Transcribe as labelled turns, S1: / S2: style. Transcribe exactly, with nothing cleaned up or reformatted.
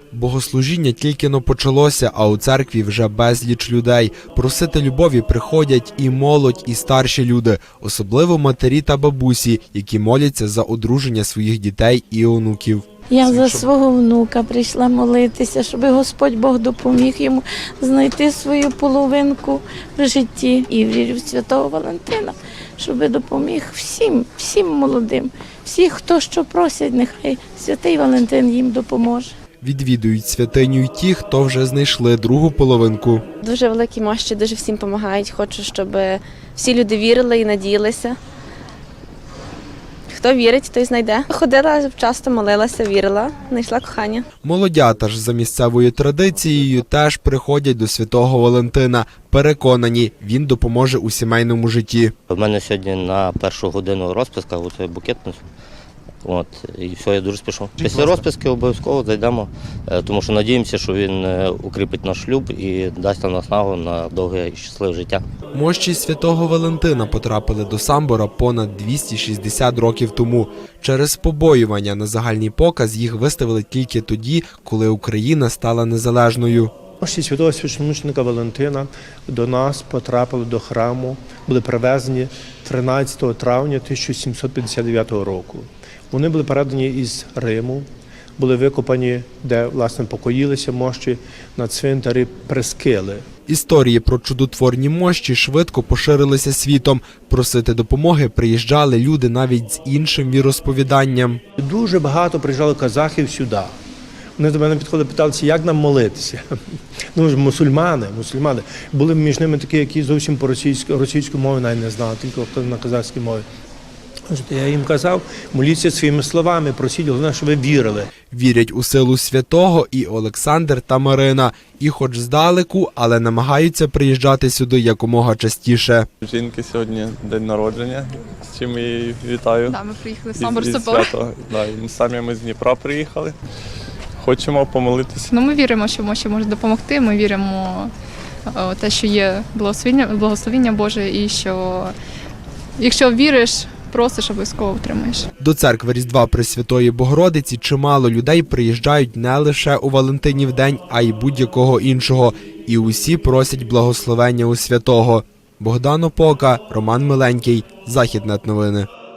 S1: Богослужіння тільки-но почалося, а у церкві вже безліч людей. Просити любові приходять і молодь, і старші люди, особливо матері та бабусі, які моляться за одруження своїх дітей і онуків.
S2: Я за свого внука прийшла молитися, щоб Господь Бог допоміг йому знайти свою половинку в житті. І вірю в святого Валентина, щоб допоміг всім, всім молодим, всіх, хто що просять, нехай святий Валентин їм допоможе.
S1: Відвідують святиню й ті, хто вже знайшли другу половинку.
S3: Дуже великі мощі, дуже всім допомагають. Хочу, щоб всі люди вірили і надіялися. Хто вірить, той знайде. Ходила, часто молилася, вірила, знайшла кохання.
S1: Молодята ж за місцевою традицією теж приходять до святого Валентина. Переконані, він допоможе у сімейному житті.
S4: У мене сьогодні на першу годину розписка, оцей букет несу. От, і все, я дуже спішу. Після розписки обов'язково зайдемо, тому що надіємося, що він укріпить наш шлюб і дасть нам наснагу на довге і щасливе життя.
S1: Мощі святого Валентина потрапили до Самбора понад двісті шістдесят років тому. Через побоювання на загальний показ їх виставили тільки тоді, коли Україна стала незалежною.
S5: Мощі святого священомученика Валентина до нас потрапили до храму, були привезені тринадцятого травня тисяча сімсот п'ятдесят дев'ятого року. Вони були передані із Риму, були викопані, де, власне, покоїлися мощі на цвинтарі Прескили.
S1: Історії про чудотворні мощі швидко поширилися світом. Просити допомоги приїжджали люди навіть з іншим віросповіданням.
S5: Дуже багато приїжджало казахів сюди. Вони до мене підходили, питалися, як нам молитися. Ну, мусульмани, мусульмани. Були між ними такі, які зовсім по російську, російську мову навіть не знали, тільки хто на казахській мові. Я їм казав, моліться своїми словами, просіть, головне, щоб ви вірили.
S1: Вірять у силу святого і Олександр та Марина. І хоч здалеку, але намагаються приїжджати сюди якомога частіше.
S6: Жінки сьогодні день народження, з чим я її вітаю.
S7: Да, ми приїхали в Самбор
S6: Із- із
S7: Собор.
S6: свято. Да, і самі ми з Дніпра приїхали. Хочемо помолитися.
S7: Ну, ми віримо, що Мощі може допомогти. Ми віримо в те, що є благословіння, благословіння Боже, і що якщо віриш, просиш, обов'язково отримаєш.
S1: До церкви Різдва Пресвятої Богородиці чимало людей приїжджають не лише у Валентинів день, а й будь-якого іншого. І усі просять благословення у святого. Богдан Опока, Роман Миленький, Західнет новини.